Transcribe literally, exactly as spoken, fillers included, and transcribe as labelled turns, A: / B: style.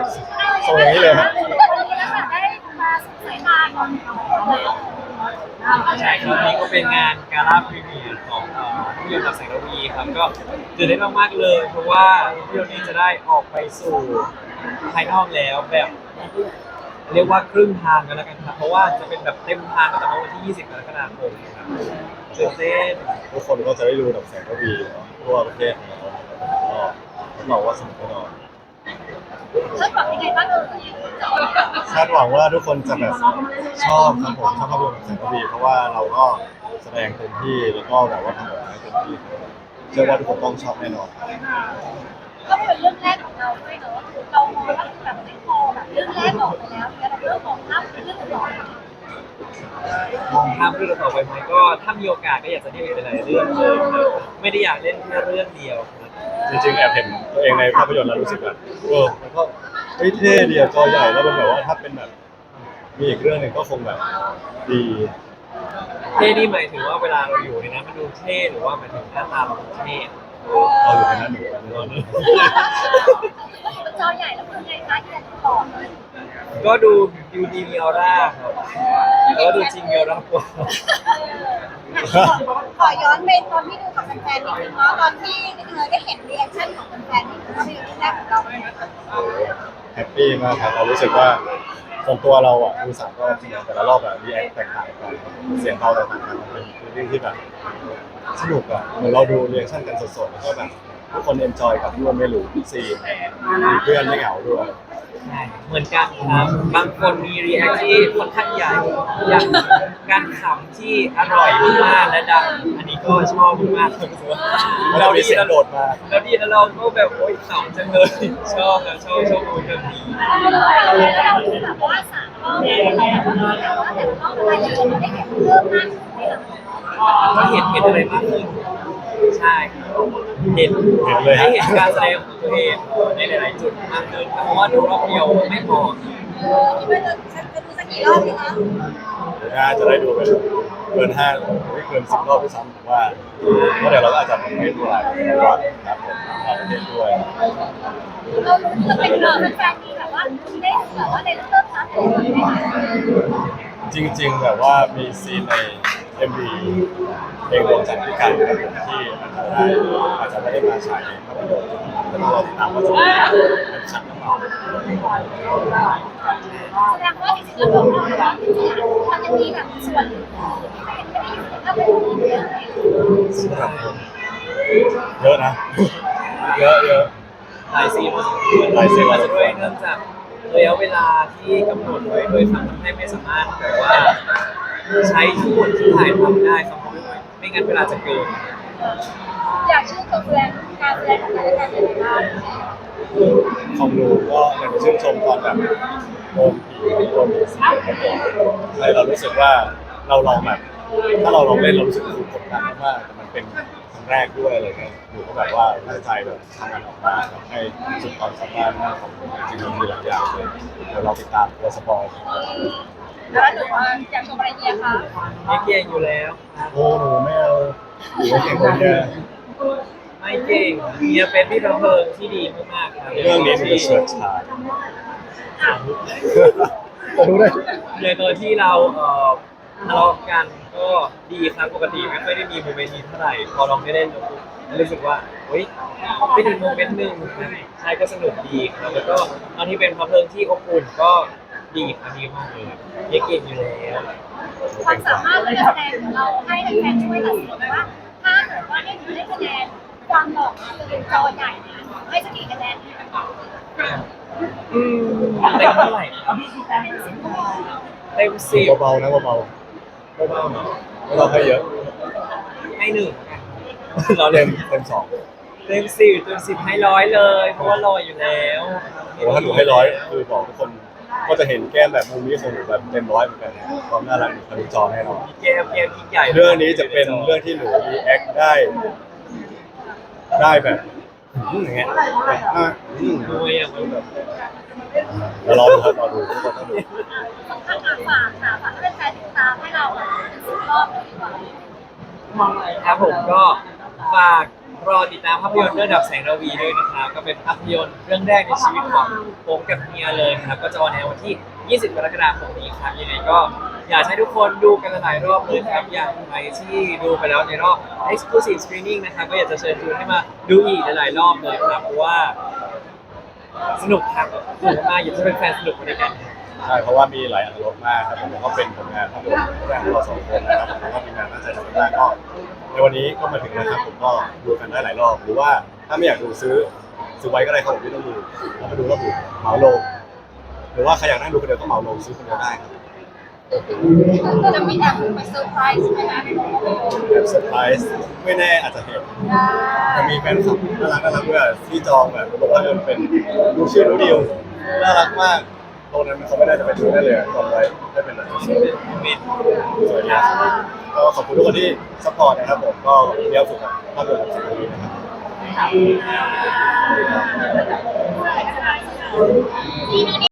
A: ส่งอย่างนี้เลยฮะ
B: วันนี้นะคะได้มาสายตาของ
C: ใช่ครับนี่ก็เป็นงานกาล่าพรีเมียร์ของเอ่อภาพยนตร์กับแสงระวีครับก็ตื่นเต้นมากๆเลยเพราะว่าภาพยนตร์นี้จะได้ออกไปสู่ภายนอกแล้วแบบเรียกว่าครึ่งทางกันแล้วกันครับเพราะว่าจะเป็นแบบเต็มทางตั้งแต่วันที่ยี่สิบกรกฎาคมครับตื่นเต้น
A: ทุกคนก็จะได้ดูดับแสงระวีทั่วประเทศของเราก็รับรองว่าสนุกแน่นอน
B: คาดหวังยังไงบ้างเอ่ย
A: คาดหวังว่าทุกคนจะแบบชอบครับผมชอบภาพยนตร์ดับแสงระวีเพราะว่าเราก็แสดงเต็มที่แล้วก็แบบว่าทำออกมาให้เต็มที่เชื่อว่าทุกคนต้องชอบแน่นอน
B: ก็เป็นเรื่องแรกของเราด้วยเนอะเรามองว่าแบบไม่พอแบบเรื่องแรกออกไปแล้วเนี่ยเราเริ่มมองภาพเป็นเรื่องต่อ
C: มองภาพเรื่องต่อไปไหมก็ถ้ามีโอกาสก็อยากจะได้เป็นหลายเรื่องเลยครับไม่ได้อยากเล่นแค่เรื่องเดียวครับ
A: จริงๆแอบเห็นตัวเองในภาพยนตร์แล้วรู้สึกแบบเออมันก็เฮ้ยเท่ดีอะจอใหญ่แล้วมันแบบว่าถ้าเป็นแบบมีอีกเรื่องหนึ่งก็คงแบบดี
C: เท่นี่หมายถึงว่าเวลาเราอยู่ในนั้นมันดูเท่หรือว่าหมายถึงหน้าตาเราเท่
A: เราอยู่ในนั้นหนูกัน
C: ตอนนี้
B: จอใหญ่แล้วคือไงคะที่จะต่อเลย
C: ก็ดูดูดีมีออร่าครับแล้วดูจริงมีออร่ากว่า
B: ขอย้อนไปตอนที่ดูกับแฟนๆนิดนึงเนาะตอนที่ได้เห็นรีแอคชั่นของแฟนๆนี่คือภาพยนตร์เรื่องแรกของเรา
A: แฮปปี้มากครับเรารู้สึกว่าส่วนตัวเราอ่ะดูสามรอบจริงๆแต่ละรอบแบบรีแอคแตกต่างกันเสียงเราแตกต่างกันมันเป็นเรื่องที่แบบสนุกอ่ะเหมือนเราดูรีแอคชั่นกันสดๆแล้วก็แบบทุกคนเอนจอยกับร่วมไม่รู้ซีนมีเพื่อนไม่เหงาด้วย
C: ใช่เหมือนกันครับบางคนมีรีแอคที่ค่อนข้างใหญ่อย่างการขำที่อร่อยมากและดังอันนี้ก็ชอบมาก
A: เราดีแล้วโดดมา
C: เราดีแล้วเราก็แบบโอ๊ยขำจังเลยชอบนะชอบชอบดูแบบนี้
B: เราแบบว่าสามรอบเนี่ยแต่ว่าแต่รอบอะไรอย่างเงี้ยได้เห็นเพิ่มมากขึ้น
C: ก็เห็นเห็นอะไรมากขึ้นใช่เห็น
A: เห็นเลย
C: ให้เห็นการแสดงของตัวเองในหลายๆจุดมากขึ้นเพราะว่าดูรอบเดียวไม่พอ
B: คิดว่าจะจะดูสักกี่รอบดีคะ
A: น่าจะได้ดูเป็นเกินห้าไม่เกินสิบรอบด้วยซ้ำผมว่าเพราะเดี๋ยวเราก็อาจจะไม่ดูหลายวันครับผมเราเล่นด้วย
B: เรารู้จะเป็นเรื่องแฟนมีแบบว่าได้แบบว่าในเรื่องทัศน์อะไรไหม
A: จริงๆแบบว่ามีซีนใน เอ็ม วี เพลงดวงจันทร์พิการครับผมที่อาจจะได้อาจจะไม่ได้มาฉายในภาพยนตร์แต่เราติดตามว่าจะเป็นฉากหรือเปล่า
B: แสดงว่าจริงๆแล้วเราเรามันจะมีแบบส่วนไม่ได้อยู่ในภาพยนตร์เยอะ
A: เยอะนะเยอะเยอะ
C: หลายซีนหลายซีนอาจจะด้วยเนื่องจากระยะเวลาที่กำหนดไว้โดยทำให้ไม่สามารถแบบว่าใช้ทั้งหมดที่ถ่ายทำได้ครับไม่งั้นเวลาจะเกิน
B: อยากชื่นชมแรงการแสดงของแต่ละคนยังไงบ้าง
A: ของหนูก็อยากจะชื่นชมตอนแบบโอมผีโอมผีสีครับผมเลยเรารู้สึกว่าเราลองแบบถ้าเราลองเล่นเรารู้สึกถูกกดดันมากแต่มันเป็นครั้งแรกด้วยอะไรเงี้ยหนูก็แบบว่าตั้งใจแบบทำงานออกมาให้สุดความสามารถมากของหนูจริงๆมีหลายอย่างเลยเดี๋ยวเราติดตามตัวสปอย
B: แล้วหนูว่าอยากชมอะไรเนี่ยคะ
C: ไม่เก่งอยู่แล้ว
A: โอ้หนูไม่เอาหนูไม่เก่งคนเดียว
C: ไม่เก่งเมียเป็นพี่ประเพิงที่ดีมากๆครับ
A: เรื่องนี้มันจะเฉิดฉายจะรู้ได้
C: ในตัวที่เราเอ่อทะเลาะกันก็ดีครับปกติไม่ค่อยได้มีโมเมนต์นี้เท่าไหร่พอลองได้เล่นรู้สึกว่าเฮ้ยเป็นอีกโมเมนต์หนึ่งใช่ก็สนุกดีครับแล้วก็ตอนที่เป็นพระเพลิงที่อบอุ่นก็ดีครับดีมากเลยยังเก่งอยู่แล้ว
B: ความสามารถในการแสดงของเราให้แฟนๆช่วยตัดสินว่าถ้าเกิดว่าได้ดูได้คะแนนความหล่อคือเป็นจอใหญ่นะให้สักกี่คะแนน
C: อืมเต็มเท่าไหร่ครับเต็มสิบ
A: เบาๆนะเบาๆ
C: เบาๆเนาะ
A: ไม่ต้องให้เยอะ
C: ให้หนึ่ง
A: เราเต็มเต็มสอง
C: เต็มสิบเต็มสิบให้ร้อยเลยเพราะว่ารออยู่แล้ว
A: โอ้ถ้าหนูให้ร้อยคือบอกทุกคนก็จะเห็นแก้มแบบมุมนี้ของหนูแบบเต็มร้อยเหมือนกันความน่ารักหนูทะลุจอแน่นอน
C: แก้มแก้มยิ่งใหญ่
A: เรื่องนี้จะเป็นเรื่องที่หนูรีแอคได้ได้แบบอย่างเงี้ยอ่ะ
C: ดูอย่างแบบ
A: เรารอดูครับรอดูทุกคนต้องดู
B: ฝากฝากค่ะฝากให้แฟนติดตามให้เราสิบรอบเลยดีกว่า
C: ครับผมก็ฝากรอติดตามภาพยนตร์เรื่องดับแสงระวีด้วยนะครับก็เป็นภาพยนตร์เรื่องแรกในชีวิตของผมกับเฮียเลยครับก็จะออนแอร์วันที่ ยี่สิบ กรกฎาคมนี้ครับยังไงก็อยากให้ทุกคนดูกันหลายรอบเลยครับอย่างใครที่ดูไปแล้วในรอบ exclusive screening นะครับก็อยากจะเชิญชวนให้มาดูอีกหลายๆรอบเลยครับเพราะว่าสนุกครับสนุกมากอยากจะเป็นแฟนสนุกไปด้วยกัน
A: ใช่เพราะว่ามีหลายอรรถรสมากครับผมก็เป็นผลงานภาพยนตร์แรกของเราสองคนนะครับผมก็มีงานตั้งใจทำมากก็ในวันนี้ก็มาถึงแล้วครับผมก็ดูกันได้หลายรอบหรือว่าถ้าไม่อยากดูซื้อซื้อไว้ก็ได้ครับผมไม่ต้องดูเราไปดูรอบดูเหมาลงหรือว่าใครอยากนั่งดูคนเดียวก็เหมาลงซื้อคนเดียวได้ครับ
B: จะมีแอบไปเซอร์ไพรส์ไหมคะ
A: แบบเซอร์ไพรส์ไม่แน่อาจจะเห็นจะมีแฟนคลับน่ารักน่ารักด้วยที่จองแบบบอกว่าเออเป็นดูชื่อดูดิวน่ารักมากตรงนั้นเขาไม่ได้จะไปดูได้เลยจองไว้ได้เป็นแบบสวยงามก็ขอบคุณทุกคนที่ซัพพอร์ตนะครับผมก็เลี้ยวสุดกับภาพยนตร์ของสิ่งนี้นะครับ
B: ที่นี่